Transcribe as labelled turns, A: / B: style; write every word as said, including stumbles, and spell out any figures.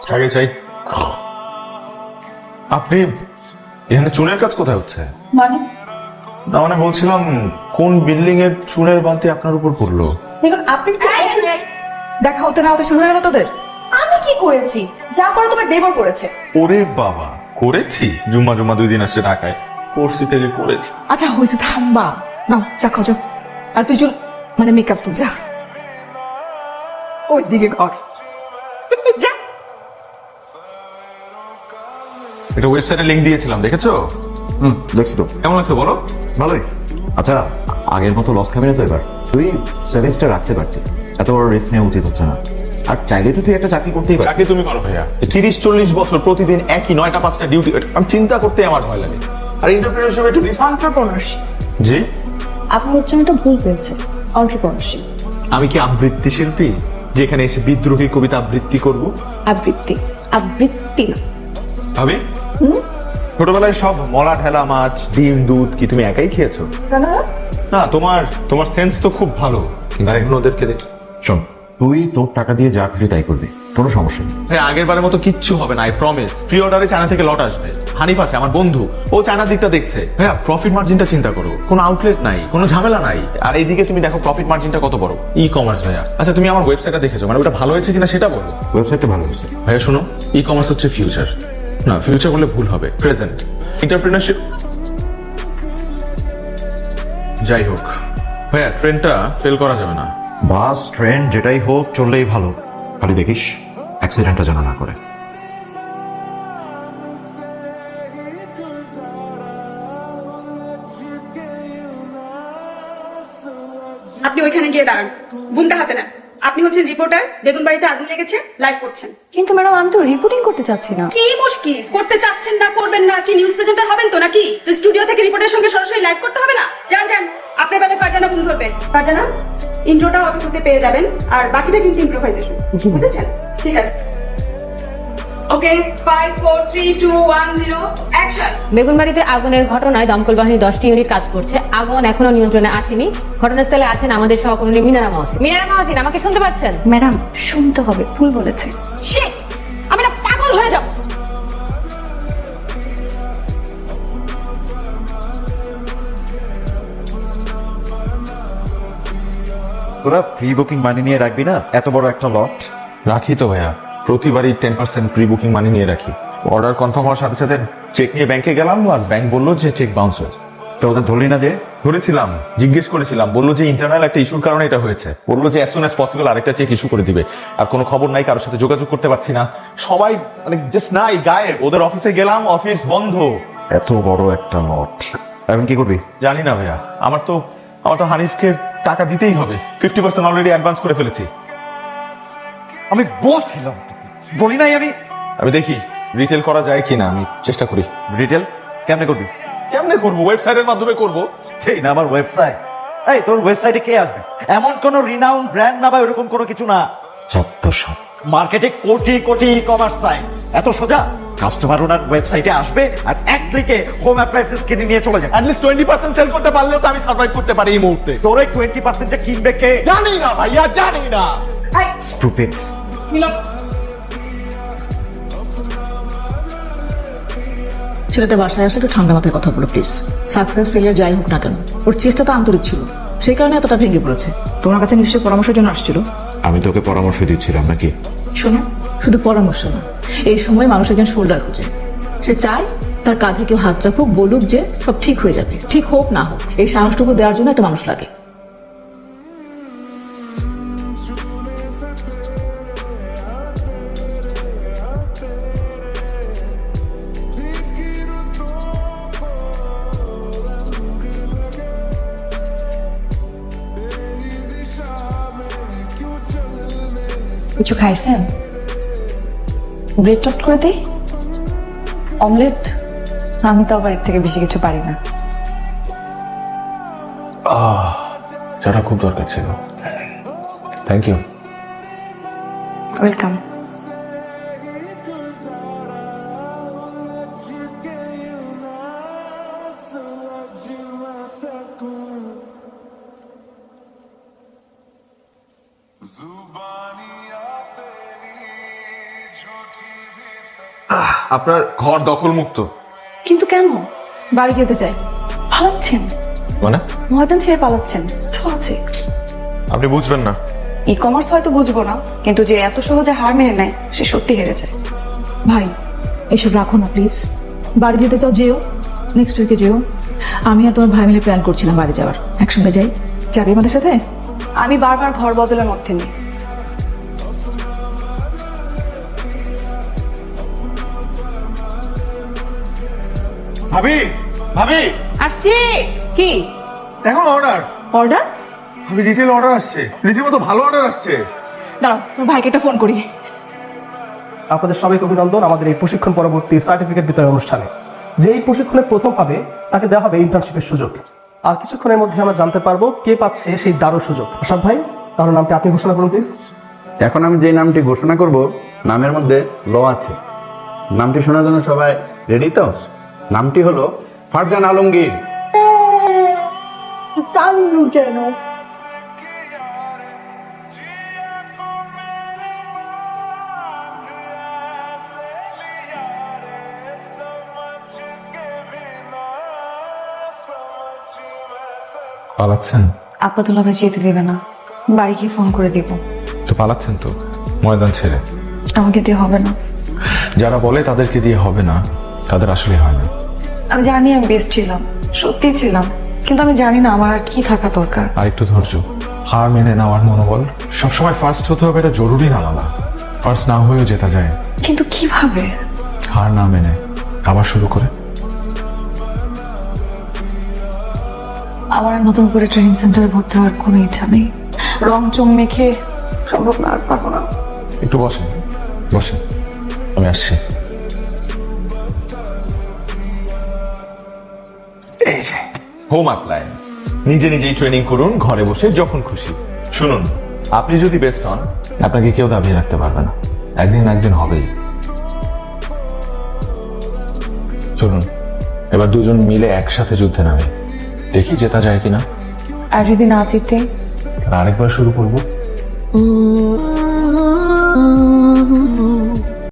A: আগে চাই। আপনি এখানে চুনের কাজ কোথায় হচ্ছে?
B: মানে
A: না মানে বলছিলাম কোন বিল্ডিং এর চুনের বালতি আপনার উপর পড়লো?
B: দেখুন আপনি তো দেখা হতে না হতে শুরু হয়ে গেল তোদের। আমি কি করেছি? যা করে তোমার দেবর করেছে।
A: ওরে বাবা, করেছি? জুম্মা জুম্মা দুই দিন আসছে ঢাকায়, করছি থেকে করেছি।
B: আচ্ছা হয়েছে, থামবা। নাও চা খাও যাও। আর তুই চল, মানে মেকআপ তো যা ওই দিকে কর যা।
A: এটা ওয়েবসাইটে লিংক দিয়েছিলাম, দেখেছো?
C: হুম, দেখছি তো।
A: কেমন লাগছে বলো?
C: ভালোই। আচ্ছা, আগের মতো লস খাবি না তো এবার? তুই সেভিংসটা রাখতে পারতি, এত বড় রিস্ক নেওয়া উচিত হচ্ছে না। আর চাইলে তো তুই একটা চাকরি করতেই পারবি।
A: চাকরি তুমি করো ভাইয়া। তিরিশ চল্লিশ বছর প্রতিদিন একই নয়টা পাঁচটা ডিউটি, আমি চিন্তা করতে আমার ভয় লাগে। আর এন্টারপ্রেনারশিপ একটু রিস্ক।
B: এন্টারপ্রেনারশিপ,
A: জি
B: আপনার উচ্চারণটা ভুল পেয়েছে। এন্টারপ্রেনারশিপ।
A: আমি কি আবৃত্তি শিল্পী যেখানে এসে বিদ্রোহী কবিতা আবৃত্তি করব?
B: আবৃত্তি আবৃত্তি না
A: ভাবি, ছোটবেলায় সব মলা ঠেলা মাছ ডিম দুধ কি তুমি একাই খেয়েছো? না, তোমার তোমার সেন্স তো খুব ভালো, কিন্তু এখন ওদেরকে দেখ।
C: শোন, তুই তোর টাকা দিয়ে যা খুশি তাই করবি, কোনো সমস্যা নেই।
A: হ্যাঁ, আগের বারের মতো কিচ্ছু হবে না, আই প্রমিস। প্রি অর্ডারে চায়না থেকে লট আসবে। হানিফ আছে আমার বন্ধু, ও চায়নার দিকটা দেখছে। হ্যাঁ, প্রফিট মার্জিনটা চিন্তা করো, কোনো আউটলেট নাই, কোনো ঝামেলা নাই। আর এইদিকে তুমি দেখো প্রফিট মার্জিনটা কত বড়। ই কমার্স ভাইয়া। আচ্ছা, তুমি আমার ওয়েবসাইটটা দেখেছো? মানে ওটা ভালো হয়েছে কিনা সেটা বলো।
C: ওয়েবসাইটটা ভালো হয়েছে
A: ভাইয়া শোনো, ই কমার্স হচ্ছে ফিউচার। না, ফিউচার বললে ভুল হবে, প্রেজেন্ট। এন্টারপ্রেনারশিপ। যাই হোক ভাইয়া, ট্রেনটা ফেল করা যাবে না।
C: বাস ট্রেন যেটাই হোক চললেই ভালো, খালি দেখিস অ্যাক্সিডেন্টটা যেন না করে।
D: আপনি ওইখানে গিয়ে দাঁড়ান, বুমটা হাতে নেন। আপনি হচ্ছেন রিপোর্টার, বেগুন বাড়িতে আগুন লেগেছে, লাইভ করছেন।
B: কিন্তু ম্যাডাম আমি তো রিপোর্টিং করতে চাচ্ছি না।
D: কি মুশকিল, করতে চাচ্ছেন না করবেন না, কি নিউজ প্রেজেন্টার হবেন তো নাকি? তো স্টুডিও থেকে রিপোর্টের সঙ্গে সরাসরি লাইভ করতে হবে না? যান যান, আপনার বেলায় ফারজানা বুম ধরবে। ফারজানা, ইন্ট্রোটা অটো করতে পেয়ে যাবেন, আর বাকিটা কিন্তু ইম্প্রোভাইজেশন, বুঝেছেন? ঠিক আছে। Okay, five four three two one zero action.
E: বেগুনবাড়িতে আগুনের ঘটনায় দমকল বাহিনী দশটি ইউনিট কাজ করছে। আগুন এখনো নিয়ন্ত্রণে আসেনি। ঘটনাস্থলে আছেন আমাদের সহকর্মী মিনারা মহসিন। মিনারা মহসিন, আমাকে শুনতে পাচ্ছেন?
B: ম্যাডাম শুনতে হবে, ভুল বলেছে।
D: শিট, আমি না পাগল হয়ে যাব।
C: তোরা প্রি বুকিং মানি নিয়ে রাখবি না এত বড় একটা লট?
A: রাখি তো ভাইয়া, প্রতিবারই ten percent pre booking money নিয়ে রাখি। অর্ডার কনফার্ম হওয়ার সাথে সাথে চেক নিয়ে ব্যাংকে গেলাম, আর ব্যাংক বললো যে চেক বাউন্স হয়েছে।
C: তো ওদের ধরলি না যে?
A: ধরেছিলাম, জিজ্ঞেস করেছিলাম, বললো যে ইন্টারনাল একটা ইস্যুর কারণে এটা হয়েছে। বললো যে অ্যাজ সুন অ্যাজ পসিবল আরেকটা চেক ইস্যু করে দিবে। আর কোনো খবর নাই, কারোর সাথে যোগাযোগ করতে পারছি না, সবাই মানে জাস্ট নাই, গায়েব। ওদের অফিসে গেলাম, অফিস বন্ধ।
C: এত বড় একটা লট, এখন কি করবি?
A: জানি না ভাইয়া, আমার তো আমার তো হানিফকে টাকা দিতেই হবে। ফিফটি পার্সেন্ট অলরেডি অ্যাডভান্স করে ফেলেছি।
C: আমি বলছিলাম বলি নাই আমি।
A: আমি দেখি রিটেল করা যায় কিনা, আমি চেষ্টা করি।
C: রিটেল কেমনে করবি?
A: কেমনে করবো? ওয়েবসাইটের মাধ্যমে করবো।
C: সেই না আমার ওয়েবসাইট। এই তোর ওয়েবসাইটে কে আসবে? এমন কোন রিনাউন ব্র্যান্ড না বা এরকম কোনো কিছু না। যত সব মার্কেটে কোটি কোটি ই কমার্স সাইট, এত সোজা? কাস্টমার ওনার ওয়েবসাইটে আসবে আর এক ক্লিকে হোম অ্যাপ্লায়েন্সেস কিনে নিয়ে চলে যাবে।
A: অ্যাটলিস্ট টোয়েন্টি পার্সেন্ট সেল করতে পারলেও তো আমি সার্ভাইভ করতে পারি এই মুহূর্তে।
C: তোর এই টোয়েন্টি পার্সেন্টে কিনবে কে?
A: জানি না ভাইয়া, জানি না।
C: স্টুপিড।
D: মিলন,
B: ছেলেটা বাসায় আসলে একটু ঠান্ডা মাথায় কথা বলো প্লিজ। সাকসেস ফেলিয়ার যাই হোক না কেন, ওর চেষ্টা তো আন্তরিক ছিল, সেই কারণে এতটা ভেঙে পড়েছে। তোমার কাছে নিশ্চয়ই পরামর্শের জন্য আসছিল।
C: আমি তোকে পরামর্শ দিচ্ছিলাম নাকি?
B: শোনো, শুধু পরামর্শ না, এই সময় মানুষ একজন শোল্ডার খোঁজে। সে চায় তার কাঁধে কেউ হাত রাখুক, বলুক যে সব ঠিক হয়ে যাবে। ঠিক হোক না হোক, এই সাহসটুকু দেওয়ার জন্য একটা মানুষ লাগে। কিছু খাইছেন? ব্রেড টোস্ট করে দিই? অমলেট? আমি তো আবার এর থেকে বেশি কিছু পারি না।
A: যারা খুব দরকার ছিল। Thank you.
B: ওয়েলকাম।
F: जुबानियां तेरी
A: আপনার ঘর দখল মুক্ত।
D: কিন্তু কেন
B: বাড়ি যেতে চাই।
D: পালাচ্ছেন?
A: মানে
D: ময়দান ছেড়ে পালাচ্ছেন সহজে?
A: আপনি বুঝবেন না।
D: ই কমার্স হয়তো বুঝবো না, কিন্তু যে এত সহজে হার মেনে নেয় সে সত্যি হেরে যায়।
B: ভাই এসব রাখো না প্লিজ। বাড়ি যেতে চাও যেও, নেক্সট উইকে যেও। আমি আর তোমার ভাই মিলে প্ল্যান করছিলাম বাড়ি যাওয়ার, একসঙ্গে যাই। যাবে আমাদের সাথে?
D: আমি বারবার ঘর বদলের মধ্যে নেই।
A: ভাবি, ভাবি,
B: আসছি। কি
A: এখন অর্ডার।
B: অর্ডার?
A: ভাবি রিটেল অর্ডার আসছে, রীতিমতো ভালো অর্ডার আসছে।
B: দাঁড়াও, তোমার ভাইকে একটা ফোন করি।
F: আপনাদের সবাইকে অভিনন্দন আমাদের এই প্রশিক্ষণ পরবর্তী সার্টিফিকেট বিতরণ অনুষ্ঠানে। যে এই প্রশিক্ষণে প্রথম হবে তাকে দেওয়া হবে ইন্টার্নশিপের সুযোগ। আর কিছুক্ষণের মধ্যে আমরা জানতে পারবো কে পাচ্ছে সেই দারুণ সুযোগ। আশাফ ভাই, তাহলে নামটি আপনি ঘোষণা করুন প্লিজ।
G: এখন আমি যে নামটি ঘোষণা করব, নামের মধ্যে ল আছে। নামটি শোনার জন্য সবাই রেডি তো? নামটি হলো ফারজান আলমগীর।
A: পালাচ্ছেন
D: আপাতত ভাই যেতে দেবে না, বাড়ি গিয়ে ফোন করে দিব।
A: তো? পালাচ্ছেন তো ময়দান ছেড়ে।
D: আমাকে দিয়ে হবে না।
A: যারা বলে তাদেরকে দিয়ে হবে না, তাদের আসলে হয় না।
D: আমি জানি আমি বেস্ট ছিলাম, সত্যি ছিলাম, কিন্তু আমি জানি না আমার আর কি থাকা দরকার।
A: আর একটু ধৈর্য, হার মেনে নেওয়ার মনোবল। সবসময় ফার্স্ট হতে হবে এটা জরুরি না মালা। ফার্স্ট না হয়েও জেতা যায়।
D: কিন্তু কিভাবে?
A: হার না মেনে আবার শুরু করে।
D: আমার আর নতুন করে ট্রেনিং সেন্টারে ভর্তি হওয়ার কোনো ইচ্ছা নেই। রং চং মেখে সম্ভব না, আর পারবো না।
A: একটু বসেন, বসেন, আমি আসছি। এই যে হোম অ্যাপ্লায়েন্স, নিজে নিজেই ট্রেনিং করুন ঘরে বসে যখন খুশি। শুনুন, আপনি যদি বেস্ট হন আপনাকে কেউ দাবিয়ে রাখতে পারবে না, একদিন না একদিন হবেই। চলুন এবার দুজন মিলে একসাথে যুদ্ধে নামে, দেখি জেতা যায় কিনা।
D: আর যদি না জিতে?
A: আরেকবার শুরু করবো।